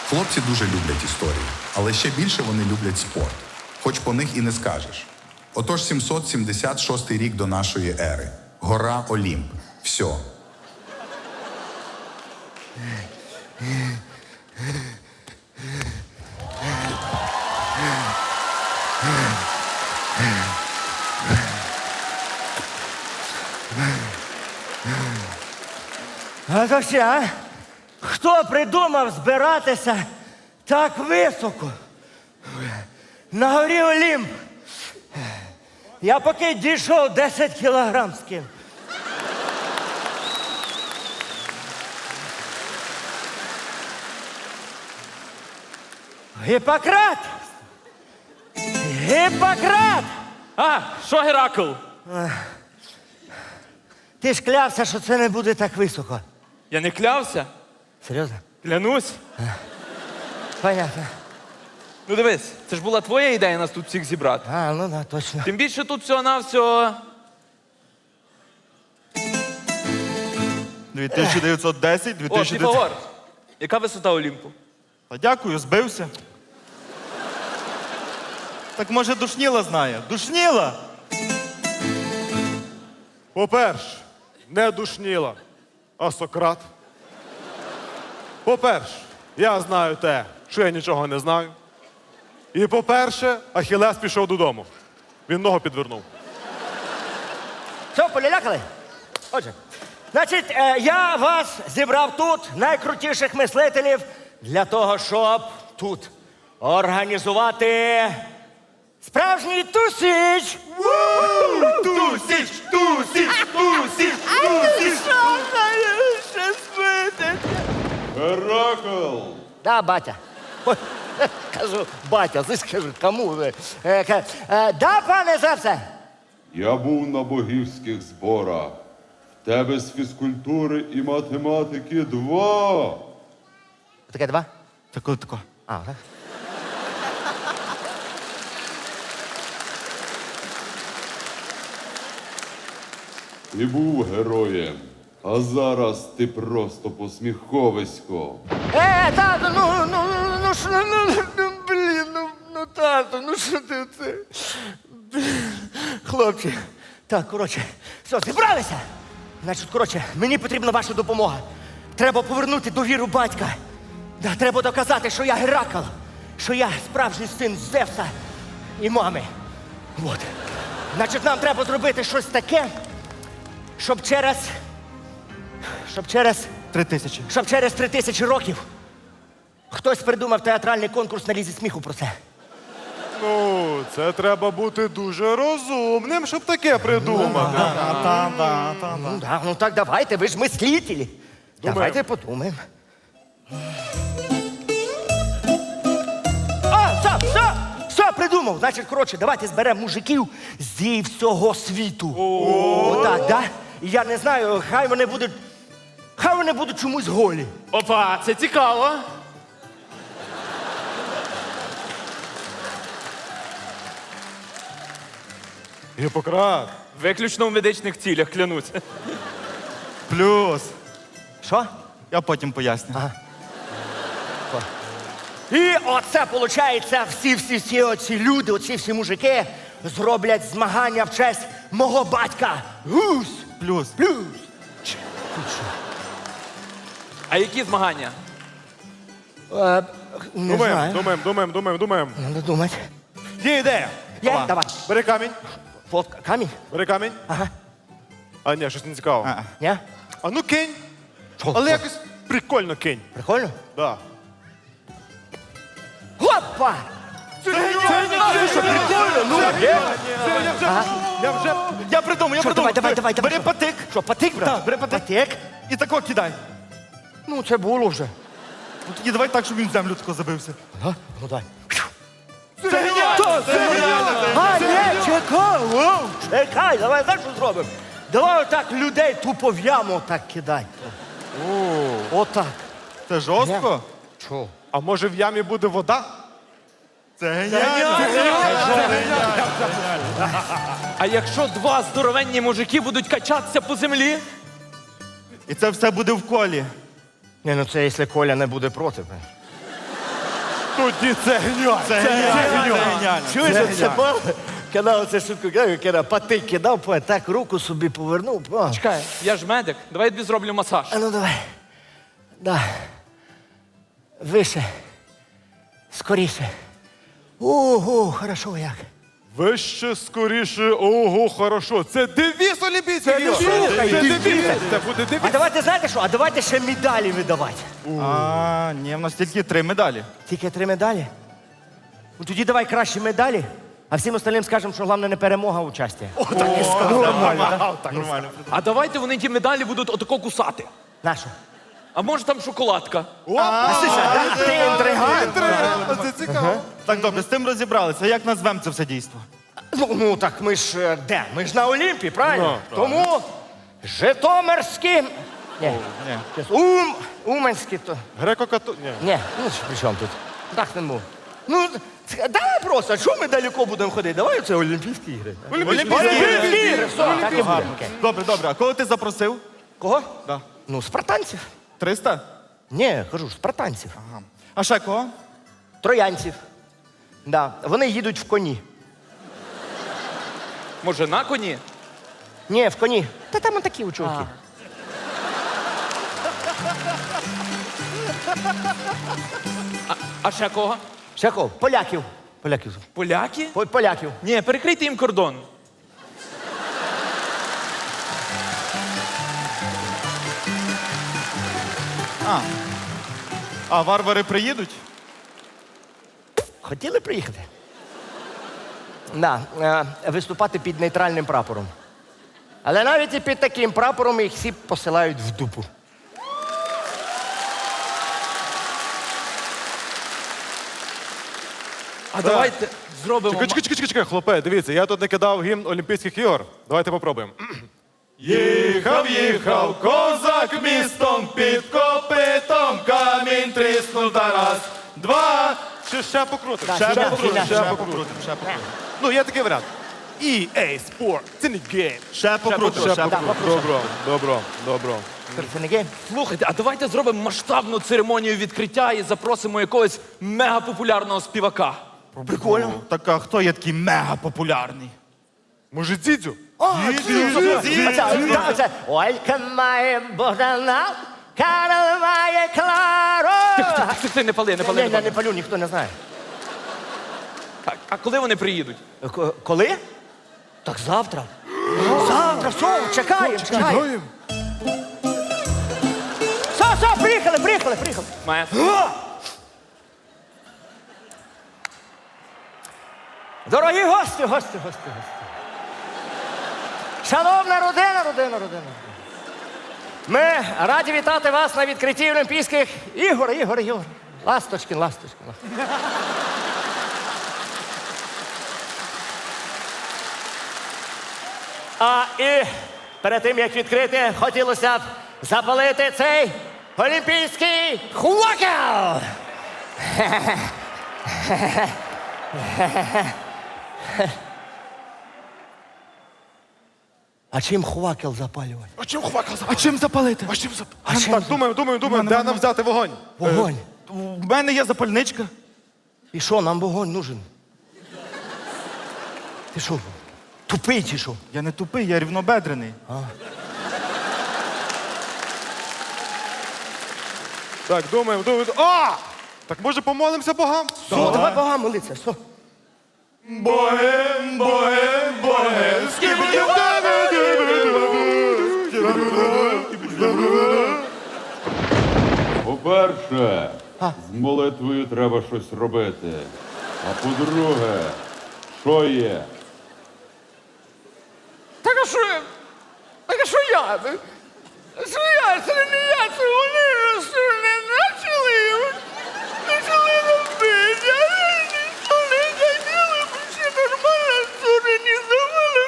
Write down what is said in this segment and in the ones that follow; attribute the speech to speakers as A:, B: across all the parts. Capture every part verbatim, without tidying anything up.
A: Хлопці дуже люблять історії, але ще більше вони люблять спорт. Хоч по них і не скажеш. Отож, сімсот сімдесят шостий рік до нашої ери. Гора Олімп. Все.
B: А то ще, а? Хто придумав збиратися так високо? На горі Олімп. Я поки дійшов десять кілограм скинув. Гіппократ! Гіппократ!
C: А, що Геракл?
B: Ти ж клявся, що це не буде так високо.
C: Я не клявся?
B: Серйозно?
C: Клянусь.
B: Понятно.
C: Ну дивись, це ж була твоя ідея нас тут всіх зібрати.
B: А, ну да, точно.
C: Тим більше тут всього-навсього...
D: дві тисячі дев'ятсот десять, дві
C: О,
D: тисячі дев'ятсот...
C: Піфагор. Яка висота Олімпу?
D: Та дякую, збився. Так може Душніла знає? Душніла!
E: По-перше, не Душніла, а Сократ. По-перше, я знаю те, що я нічого не знаю. І по-перше, Ахілес пішов додому. Він ногу підвернув.
B: Все, полялякали? Отже, значить, е, я вас зібрав тут, найкрутіших мислителів, для того, щоб тут організувати справжній тусіч.
D: Тусіч! Тусіч! Тусіч! Тусіч!
E: Геракл!
B: Да, батя. Ой, кажу, батя, ти скажу, кому ви? Е, ка- е, да, пане Зевсе?
F: Я був на богівських зборах. В тебе з фізкультури і математики два.
B: Таке два?
D: Так коли тако?
B: А, так.
F: Ти був героєм, а зараз ти просто посміховисько.
B: Е, тату, ну, ну, ну, ну, що, ну, ну, блін, ну, ну, тату, ну, що ти це? Хлопці, так, коротше, все, зібралися? Значить, коротше, мені потрібна ваша допомога. Треба повернути довіру батька. Да, треба доказати, що я Геракл, що я справжній син Зевса і мами. От. Значить, нам треба зробити щось таке, щоб через... Щоб через...
D: Три тисячі.
B: Щоб через три тисячі років хтось придумав театральний конкурс на лізі сміху про це.
E: Ну, це треба бути дуже розумним, щоб таке придумати.
B: Ну, да, ну так давайте, ви ж мислителі. Давайте подумаємо. А, все, все, все, придумав. Значить, коротше, давайте зберемо мужиків зі всього світу. Отак, да? І я не знаю, хай вони будуть, хай вони будуть чомусь голі.
C: Опа, це цікаво.
E: Гіппократ.
C: Виключно в медичних цілях, клянусь.
D: Плюс.
B: Що?
D: Я потім поясню.
B: І оце, виходить, всі-всі-всі оці люди, оці всі мужики зроблять змагання в честь мого батька. Гусь!
D: Плюс.
B: Плюс!
C: А які змагання?
B: Е, не
E: Думаємо,
B: знаю.
E: думаємо, думаємо, думаємо, думаємо.
B: Надо думати.
E: Є ідея.
B: Є,
D: Давай.
B: давай.
E: Бери камінь,
B: Фотка. Камінь?
E: бери камінь.
B: Ага.
E: А ні, щось не цікаво.
D: А-а.
B: Ні?
E: А ну кинь.
B: Що?
E: Але якось прикольно кинь.
B: Прикольно?
E: Да.
B: Опа!
D: Це що, прикольно? Ну,
E: Я вже, я вже
D: я придумав, я
B: Що,
D: придумав.
B: давай, давай, давай, давай.
D: Бери
B: що?
D: патик.
B: Що, патик, брат?
D: Так, бери патик.
B: Патик?
D: І тако кидай.
B: Ну, це було вже.
D: Ну тоді давай так, щоб він в землю тако забився.
B: Ага, ну дай.
D: Це геніально! Це геніально!
B: А, ні, чекай, воу, чекай, давай знаєш, що зробимо? Давай отак людей тупо в яму так кидай. Отак.
D: Це жорстко?
B: Чого?
E: А може в ямі буде вода?
D: Це геніально!
C: А якщо два здоровенні мужики будуть качатися по землі?
D: І це все буде в колі.
B: Ні, ну це якщо Коля не буде проти.
E: Тоді це геніально.
D: Це геніально. Це геніально.
B: Чуєш,
D: Це
B: оце
D: геніально.
B: по- коли оце шутку кидав, коли патик кидав, по- так руку собі повернув. по.
C: Чекай, я ж медик, давай я тобі зроблю масаж.
B: А ну давай. Да. Вище. Скоріше. Ого, хорошо як.
E: Вище, скоріше, ого, хорошо. Це девіз Олімпійських ігор.
B: слухай,
E: Це
B: девіз.
E: девіз. Це буде
B: А
E: девіз.
B: давайте знаєте що? А давайте ще медалі видавати.
D: А, ні, в нас тільки три медалі.
B: Тільки три медалі. Ну тоді давай кращі медалі, а всім остальним скажемо, що головне не перемога, а участь.
D: Нормально, так? Нормально.
C: А давайте вони ті медалі будуть отако кусати.
B: Нащо?
C: А може там шоколадка?
B: Ти інтригант.
E: Це цікаво.
D: Так, добре, з цим розібралися. Як назвемо це все дійство?
B: Ну, ну так ми ж е, де? Ми ж на Олімпі, правильно? Тому Житомирські. Ні,
D: Ні.
B: Ум, Уманські то.
E: Греко-кату... Ні.
B: Ні, ну що, при чому тут? Так не можу. Ну, це- давай просто, що ми далеко будемо ходити? Давай це Олімпійські ігри.
D: Олімпійські
B: Олімпійські ігри, все, так і буде. Окей.
D: Добре, добре. А кого ти запросив?
B: Кого?
D: Да.
B: Ну, спартанців.
D: триста?
B: Ні, кажу, спартанців.
D: А ще кого?
B: Троянців. Да. Вони їдуть в коні.
C: Може на коні?
B: Ні, в коні. Та там такі у чуваки.
C: А ще кого?
B: Ще кого? Поляків. Поляків.
C: Поляки?
B: По- Поляків.
C: Ні, перекрийте їм кордон.
D: А. А варвари приїдуть?
B: Хотіли приїхати? Да, е, виступати під нейтральним прапором. Але навіть і під таким прапором їх всі посилають в дупу.
C: А давайте зробимо.
E: Чекай, чекай, чекай, чекай, хлопе, дивіться, я тут не кидав гімн Олімпійських ігор. Давайте попробуємо. Їхав, їхав, козак містом під копитом, камінь тріснув та раз, два. Чи ще покрутимо?
B: Так,
E: Ще
B: ще,
E: покрутимо,
B: ще,
E: ще
B: ще
E: покрутимо, ще покрутимо. Ну, є такий варіант. і ей Sport, це не гейм.
D: Ще покрутимо. Ще
B: покрутимо.
D: покрутимо.
E: Добро, добро, добро.
B: Це не гейм?
C: Слухайте, а давайте зробимо масштабну церемонію відкриття і запросимо якогось мегапопулярного співака.
B: Прикольно.
D: Так, а хто є такий мега популярний?
E: Може, Дзідзю?
B: Оце, оце. Олька має Богдана, Карл має Клару.
C: Тих, тих, ти не пали, не пали,
B: Ні,
C: не
B: ні, не
C: пали.
B: палю, ніхто не знає.
C: А, а коли вони приїдуть?
B: К- Коли? Так завтра. Завтра, все, чекаємо, чекаємо. Все, все, приїхали, приїхали, приїхали.
C: Маестро.
B: Дорогі гості, гості, гості, гості. Шановна родина, родина, родина. Ми раді вітати вас на відкритті Олімпійських ігор, ігор, ігор. Ласточкін, ласточкін. ласточкін. А і перед тим, як відкрити, хотілося б запалити цей олімпійський хвакел. А чим хвакел запалювати?
E: А чим хвакал
D: А чим запалити?
E: А чим зап...
B: А чим
E: Так, думаємо, думаємо, думаємо, де нам взяти вогонь?
B: Вогонь.
D: У мене є запальничка.
B: І що, нам вогонь нужен? Ти що, тупий чи що?
D: Я не тупий, я рівнобедрений.
E: Так, думаємо, думаємо. А! Так може помолимося богам?
B: Все, давай Богам молитися, все.
E: Богем, богем, богем,
F: По-перше, з молитвою треба щось робити. А по-друге, що є?
B: Так а що я? Так а що я? Що я? Це не я, це вони що не почали. Почали робити. А ніхто не хотіли, бо ще нормально зорганізували.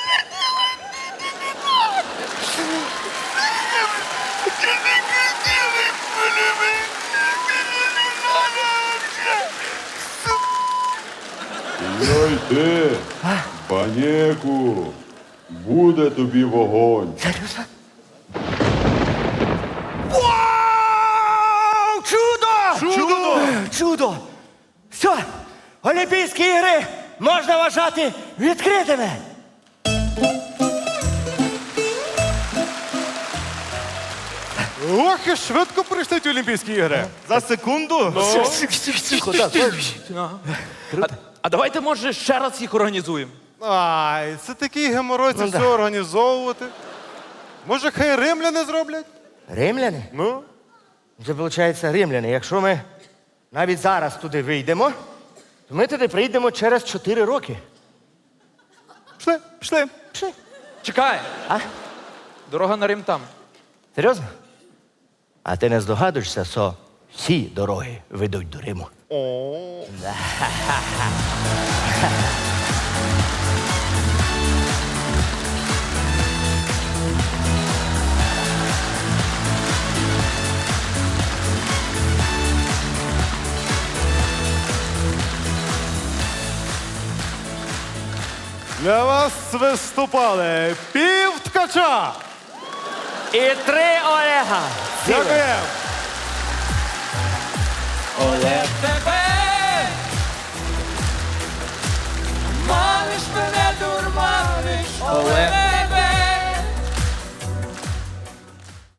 B: Ти не хотіли, мене
F: Йой ти, панєку, буде тобі вогонь.
B: Серйозно? Вау! Чудо! Чудо! Чудо! Все, Олімпійські ігри можна вважати відкритими.
E: Ох, і швидко прийшли ті Олімпійські ігри.
D: За секунду?
C: А, а давайте, може, ще раз їх організуємо.
E: Ай, це такий геморой це
B: Ну,
E: все
B: да.
E: організовувати. Може, хай римляни зроблять?
B: Римляни?
E: Ну?
B: Це виходить римляни. Якщо ми навіть зараз туди вийдемо, то ми туди прийдемо через чотири роки.
D: Пішли, пішли.
B: Пішли.
C: Чекай,
B: А?
C: дорога на Рим там.
B: Серйозно? А ти не здогадуєшся, що всі дороги ведуть до Риму?
E: О. Для вас виступали пів ткача.
B: І три Олега.
E: Дякуємо.
C: Олег